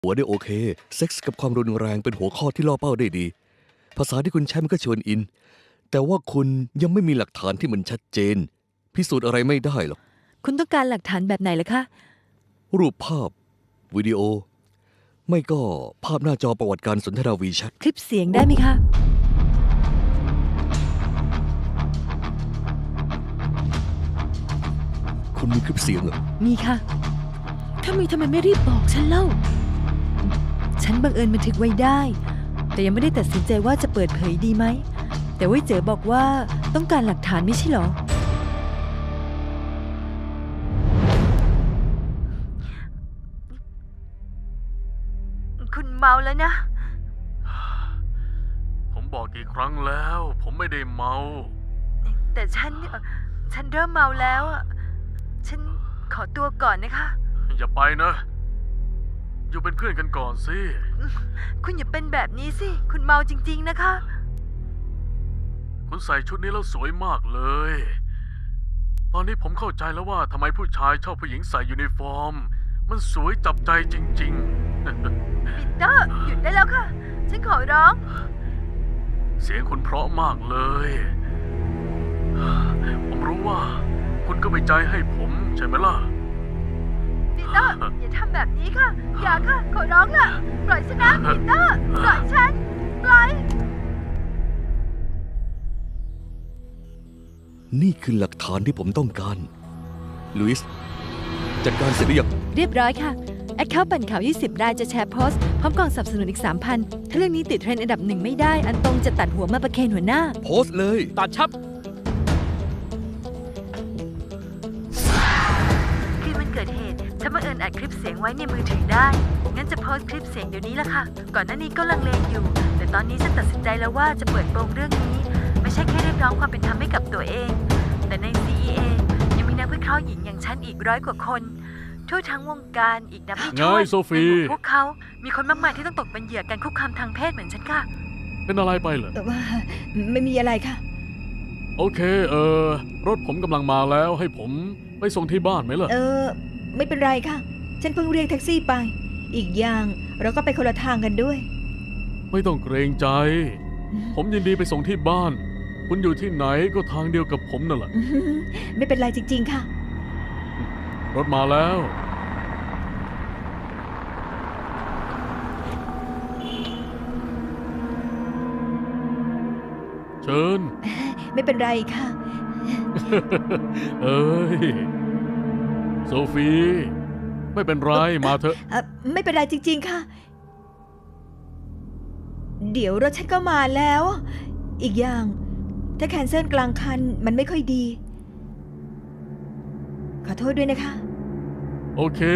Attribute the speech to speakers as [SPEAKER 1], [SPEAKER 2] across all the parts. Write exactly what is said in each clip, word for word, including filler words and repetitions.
[SPEAKER 1] หัวได้โอเคเซ็กส์กับความรุนแรงเป็นหัวข้อที่ล่อเป้าได้ดีภาษาที่คุณใช้มันก็ชวนอินแต่ว่าคุณยังไม่มีหลักฐานที่มันชัดเจนพิสูจน์อะไรไม่ได้หรอก
[SPEAKER 2] คุณต้องการหลักฐานแบบไหนล่ะคะ
[SPEAKER 1] รูปภาพวิดีโอไม่ก็ภาพหน้าจอประวัติการสนทนาวีแชท
[SPEAKER 2] คลิปเสียงได้ไหมคะ
[SPEAKER 1] คุณมีคลิปเสียงเหรอ
[SPEAKER 2] มีค่ะถ้ามีทำไมไม่รีบบอกฉันเล่าฉันบังเอิญบันทึกไว้ได้แต่ยังไม่ได้ตัดสินใจว่าจะเปิดเผยดีไหมแต่ว่าเจ๋อบอกว่าต้องการหลักฐานไม่ใช่หรอคุณเมาแล้วนะ
[SPEAKER 3] ผมบอกกี่ครั้งแล้วผมไม่ได้เมา
[SPEAKER 2] แต่ฉันฉันเริ่มเมาแล้วฉันขอตัวก่อนนะคะ
[SPEAKER 3] อย่าไปนะอยู่เป็นเพื่อนกันก่อนสิ
[SPEAKER 2] คุณอย่าเป็นแบบนี้สิคุณเมาจริงๆนะคะ
[SPEAKER 3] คุณใส่ชุดนี้แล้วสวยมากเลยตอนนี้ผมเข้าใจแล้วว่าทำไมผู้ชายชอบผู้หญิงใส่ยูนิฟอร์มมันสวยจับใจจริงๆ
[SPEAKER 2] ปีเตอร์หยุดได้แล้วค่ะฉันขอร้อง
[SPEAKER 3] เสียงคุณเพราะมากเลยผมรู้ว่าคุณก็ไม่ใจให้ผมใช่ไหมล่ะ
[SPEAKER 2] ปีเตอร์อย่าทำแบบนี้ค่ะอย่าค่ะขอร้องล่ะปล่อยฉันนะปีเตอร์ปล่อยฉันปล่อย
[SPEAKER 1] นี่คือหลักฐานที่ผมต้องการลุยส์จัดการเสร็จหรือยัง
[SPEAKER 2] เรียบร้อยค่ะแอคเคาท์ปั่นข่าวยี่สิบรายจะแชร์โพสต์พร้อมกล่องสนับสนุนอีก สามพัน ถ้าเรื่องนี้ติดเทรนด์อันดับหนึ่งไม่ได้อันตรงจะตัดหัวมาประเคนหัวหน้า
[SPEAKER 1] โพสต์เลย
[SPEAKER 3] ตัดชับ
[SPEAKER 2] คืนวันเกิดเหตุฉันบังเอิญอัดคลิปเสียงไว้ในมือถือได้งั้นจะโพสต์คลิปเสียงเดี๋ยวนี้ละค่ะก่อนหน้านี้ก็ลังเลอยู่แต่ตอนนี้ฉันตัดสินใจแล้วว่าจะเปิดโปงเรื่องนี้ไม่ใช่แค่เรียกร้องความเป็นธรรมให้กับตัวเองแต่ใน ซี อี เอ ยังมีนักวิเคราะห์หญิงอย่างฉันอีกร้อยกว่าคนทั่วทั้งวงการอีกนับไม่ถ้วนในหมู่พวกเขามีคนมากมายที่ต้องตกเป็นเหยื่อการคุกคามทางเพศเหมือนฉันค่ะ
[SPEAKER 3] เป็นอะไรไปเหรอ
[SPEAKER 2] แต่ว่าไม่มีอะไรค่ะ
[SPEAKER 3] โอเคเออรถผมกำลังมาแล้วให้ผมไปส่งที่บ้านไหมล่ะ
[SPEAKER 4] เออไม่เป็นไรค่ะฉันเพิ่งเรียกแท็กซี่ไปอีกอย่างเราก็ไปคนละทางกันด้วย
[SPEAKER 3] ไม่ต้องเกรงใจผมยินดีไปส่งที่บ้านคุณอยู่ที่ไหนก็ทางเดียวกับผมนั่นแหละ
[SPEAKER 4] ไม่เป็นไรจริงๆค่ะ
[SPEAKER 3] รถมาแล้วเชิญ
[SPEAKER 4] ไม่เป็นไรค่ะ
[SPEAKER 3] เอ้ยโซฟีไม่เป็นไรมาเถอะ
[SPEAKER 4] ไม่เป็นไรจริงๆค่ะเดี๋ยวรถฉันก็มาแล้วอีกอย่างถ้าแคนเซิลกลางคันมันไม่ค่อยดีขอโทษด้วยนะคะ
[SPEAKER 3] โอเค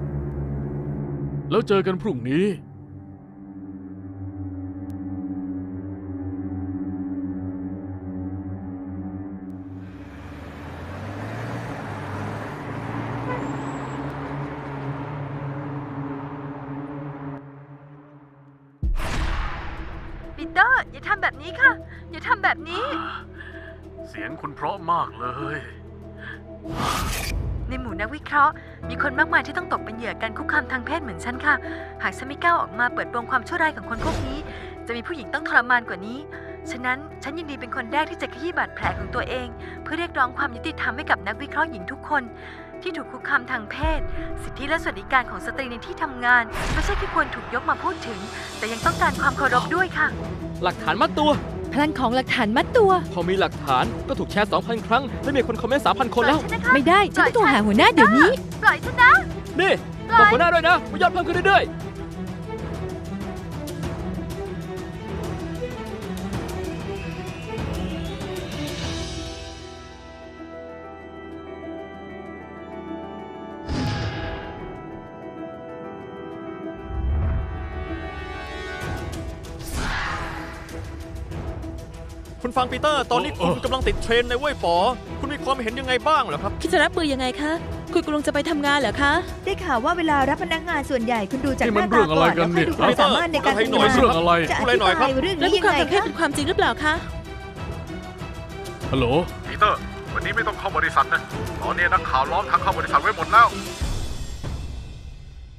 [SPEAKER 3] แล้วเจอกันพรุ่งนี้
[SPEAKER 2] ปีเตอร์อย่าทำแบบนี้ค่ะอย่าทำแบบนี้
[SPEAKER 3] เสียงคุณเพราะมากเลย
[SPEAKER 2] ในหมู่นักวิเคราะห์มีคนมากมายที่ต้องตกเป็นเหยื่อการคุกคามทางเพศเหมือนฉันค่ะหากฉันไม่ก้าวออกมาเปิดโปงความชั่วร้ายของคนพวกนี้จะมีผู้หญิงต้องทรมานกว่านี้ฉะนั้นฉันยินดีเป็นคนแรกที่จะขยี้บาดแผลของตัวเองเพื่อเรียกร้องความยุติธรรมให้กับนักวิเคราะห์หญิงทุกคนที่ถูกคุกคามทางเพศสิทธิและสวัสดิการของสตรีในที่ทำงานไม่ใช่แค่ควรถูกยกมาพูดถึงแต่ยังต้องการความเคารพด้วยค่ะ
[SPEAKER 5] หลักฐานมัดตัว
[SPEAKER 2] พลังของหลักฐานมัดตัว
[SPEAKER 5] พอมีหลักฐานก็ถูกแชร์ สองพัน ครั้งและมีคนคอมเมนต์ สามพัน คนแล้ว
[SPEAKER 2] ไม่ได้ฉันต้องหาหัวหน้าเดี๋ยวนี้ปล่อยฉันนะ
[SPEAKER 5] นี่บอกหัวหน้าด้วยนะว่ายอดเพิ่มขึ้นเรื่อยๆคุณฟังปีเตอร์ตอนนี้คุณกำลังติดเทรนในเว่ยป๋อคุณมีความเห็นยังไงบ้างเหรอครับ
[SPEAKER 2] คิดจะรับมือยังไงคะคุณกำลังจะไปทำงานเหรอคะ
[SPEAKER 4] ได้ข่าวว่าเวลารับพนักงานส่วนใหญ่คุณดูจากหน้าตา
[SPEAKER 3] ก่อน
[SPEAKER 4] แล้วค่อยดูความสามารถในการทำงาน
[SPEAKER 3] เรื่องอะไร
[SPEAKER 4] จะอธิบายเรื่องนี้ยังไงคะ
[SPEAKER 2] เป็นความจริงหรือเปล่าคะ
[SPEAKER 3] ฮัลโหล
[SPEAKER 6] ปีเตอร์วันนี้ไม่ต้องเข้าบริษัทนะตอนนี้นักข่าวล้อมทางเข้าบริษัทไว้หมดแล้ว